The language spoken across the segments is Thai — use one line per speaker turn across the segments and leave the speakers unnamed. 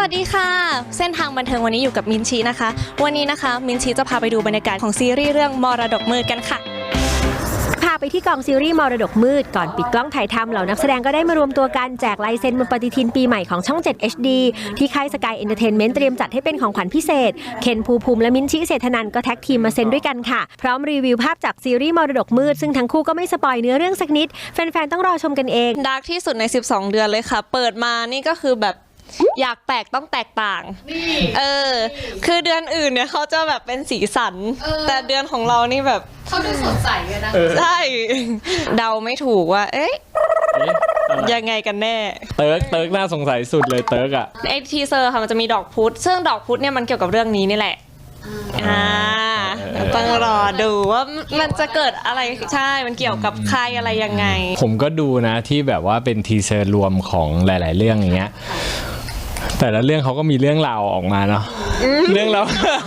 วัสดีค่ะเส้นทางบันเทิงวันนี้อยู่กับมินชีนะคะวันนี้นะคะมินชีจะพาไปดูบรรยากาศของซีรีส์เรื่องมรดกมืดกันค่ะ
พาไปที่กองซีรีส์มรดกมืดก่อนปิดกล้องถ่ายทำเหล่านักแสดงก็ได้มารวมตัวกันแจกลายเซ็นบนปฏิทินปีใหม่ของช่อง 7 HD ที่ค่ายสกายเอนเตอร์เทนเมนต์เตรียมจัดให้เป็นของขวัญพิเศษเคนภูมิภูมิและมิ้นท์ เศรษฐนันท์ก็แท็กทีมมาเซ็นด้วยกันค่ะพร้อมรีวิวภาพจากซีรีส์มรดกมืดซึ่งทั้งคู่ก็ไม่สปอยเนื้อเรื่องสักนิดแฟนๆต้องรอชมกันเอง
ดาร์กที่สุดใน12เดือนเลยค่ะเปิดมานี่ก็คือแบบอยากแปลกต้องแตกต่างคือเดือนอื่นเนี่ยเขาจะแบบเป็นสีสันแต่เดือนของเรานี่แบบ
เขาดูสดใสเลยนะ
ใช่เดาไม่ถูกว่ายังไงกันแน่
เติร์กน่าสงสัยสุดเลยเติร์กอะ
ไอทีเซอร์ค่ะมันจะมีดอกพุธซึ่งดอกพุธเนี่ยมันเกี่ยวกับเรื่องนี้นี่แหละต้องรอดูว่ามันจะเกิดอะไรใช่มันเกี่ยวกับใครอะไรยังไง
ผมก็ดูนะที่แบบว่าเป็นทีเซอร์รวมของหลายๆเรื่องอย่างเงี้ยแต่ละเรื่องเขาก็มีเรื่องราวออกมาเนาะเรื่องเรา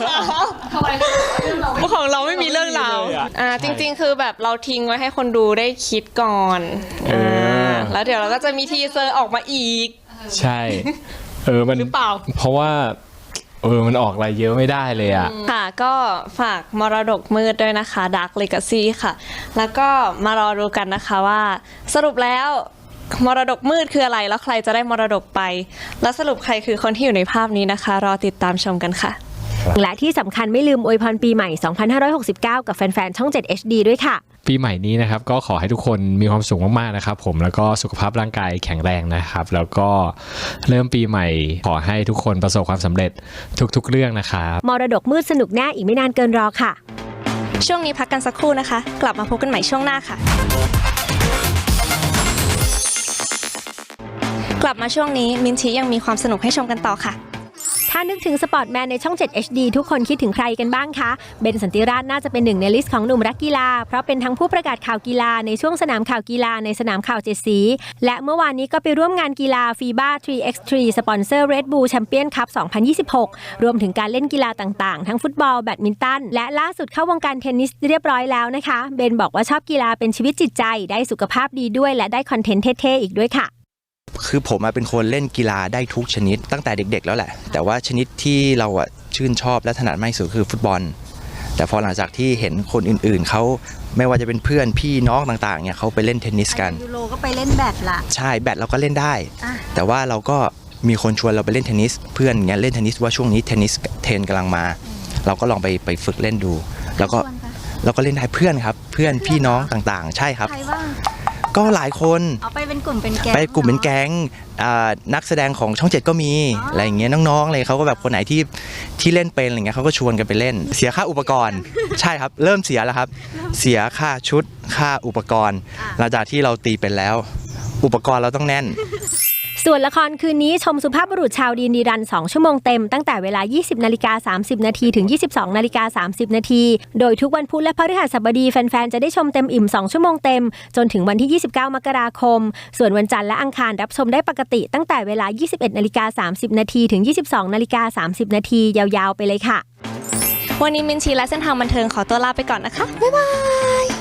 ของเราไม่มีเรื่องราวจริงๆคือแบบเราทิ้งไว้ให้คนดูได้คิดก่อนแล้วเดี๋ยวเราก็จะมีทีเซอร์ออกมาอีก
ใช่มันหรือเปล่าเพราะว่ามันออกอะไรเยอะไม่ได้เลยอ่ะ
ค่ะก็ฝากมรดกมืดด้วยนะคะ Dark Legacy ค่ะแล้วก็มารอดูกันนะคะว่าสรุปแล้วมรดกมืดคืออะไรแล้วใครจะได้มรดกไปแล้วสรุปใครคือคนที่อยู่ในภาพนี้นะคะรอติดตามชมกันค่ะ
และที่สำคัญไม่ลืมอวยพรปีใหม่ 2569 กับแฟนๆช่อง 7 HD ด้วยค่ะ
ปีใหม่นี้นะครับก็ขอให้ทุกคนมีความสุขมากๆนะครับผมแล้วก็สุขภาพร่างกายแข็งแรงนะครับแล้วก็เริ่มปีใหม่ขอให้ทุกคนประสบความสำเร็จทุกๆเรื่องนะครับ
มรดกมืดสนุกแน่อีกไม่นานเกินรอค่ะ
ช่วงนี้พักกันสักครู่นะคะกลับมาพบกันใหม่ช่วงหน้าค่ะกลับมาช่วงนี้มินชียังมีความสนุกให้ชมกันต่อค่ะ
ถ้านึกถึงสปอร์ตแมนในช่อง 7 HD ทุกคนคิดถึงใครกันบ้างคะเบนสันติราชน่าจะเป็นหนึ่งในลิสต์ของหนุ่มรักกีฬาเพราะเป็นทั้งผู้ประกาศข่าวกีฬาในช่วงสนามข่าวกีฬาในสนามข่าว7สีและเมื่อวานนี้ก็ไปร่วมงานกีฬา FIBA 3x3 สปอนเซอร์ Red Bull Champion Cup 2026 รวมถึงการเล่นกีฬาต่างๆทั้งฟุตบอลแบดมินตันและล่าสุดเข้าวงการเทนนิสเรียบร้อยแล้วนะคะเบนบอกว่าชอบกีฬาเป็นชีวิตจิตใจได้สุขภาพดีด้วยและได้คอนเทนต์เท่ๆอีกด้วยค่ะ
คือผมเป็นคนเล่นกีฬาได้ทุกชนิดตั้งแต่เด็กๆแล้วแหละแต่ว่าชนิดที่เราชื่นชอบและถนัดมากที่สุดคือฟุตบอลแต่พอหลังจากที่เห็นคนอื่นๆเขาไม่ว่าจะเป็นเพื่อนพี่น้องต่างๆเนี่ยเขาไปเล่นเทนนิสกัน
ยูโรก็ไปเล่นแบดละ
ใช่แบดเราก็เล่นได้แต่ว่าเราก็มีคนชวนเราไปเล่นเทนนิสเพื่อนเงี้ยเล่นเทนนิสว่าช่วงนี้เทนนิสเทรนกำลังมาเราก็ลองไปฝึกเล่นดูแล้วก็เราก็เล่นได้เพื่อนครับเพื่อนพี่น้องต่างๆใช่ครับก็หลายคน
ไปเป็นกลุ่มเป็นแก๊ง
ไปกลุ่มเป็นแก๊งนักแสดงของช่อง7ก็มีอะไรอย่างเงี้ยน้องๆเลยเขาก็แบบคนไหนที่เล่นเป็นอะไรเงี้ยเขาก็ชวนกันไปเล่นเสียค่าอุปกรณ์ใช่ครับเริ่มเสียแล้วครับเสียค่าชุดค่าอุปกรณ์หลังจากที่เราตีเป็นแล้วอุปกรณ์เราต้องแน่น
ส่วนละครคืนนี้ชมสุภาพบุรุษชาวดีนดีรัน2ชั่วโมงเต็มตั้งแต่เวลา 20:30 นาทีถึง 22:30 นาทีโดยทุกวันพุธและพฤหัสบดีแฟนๆจะได้ชมเต็มอิ่ม2ชั่วโมงเต็มจนถึงวันที่ 29 มกราคมส่วนวันจันทร์และอังคารรับชมได้ปกติตั้งแต่เวลา 21:30 นาทีถึง 22:30 นาทียาวๆไปเลยค่ะ
วันนี้มินชีและเส้นทางบันเทิงขอตัวลาไปก่อนนะคะบ๊ายบาย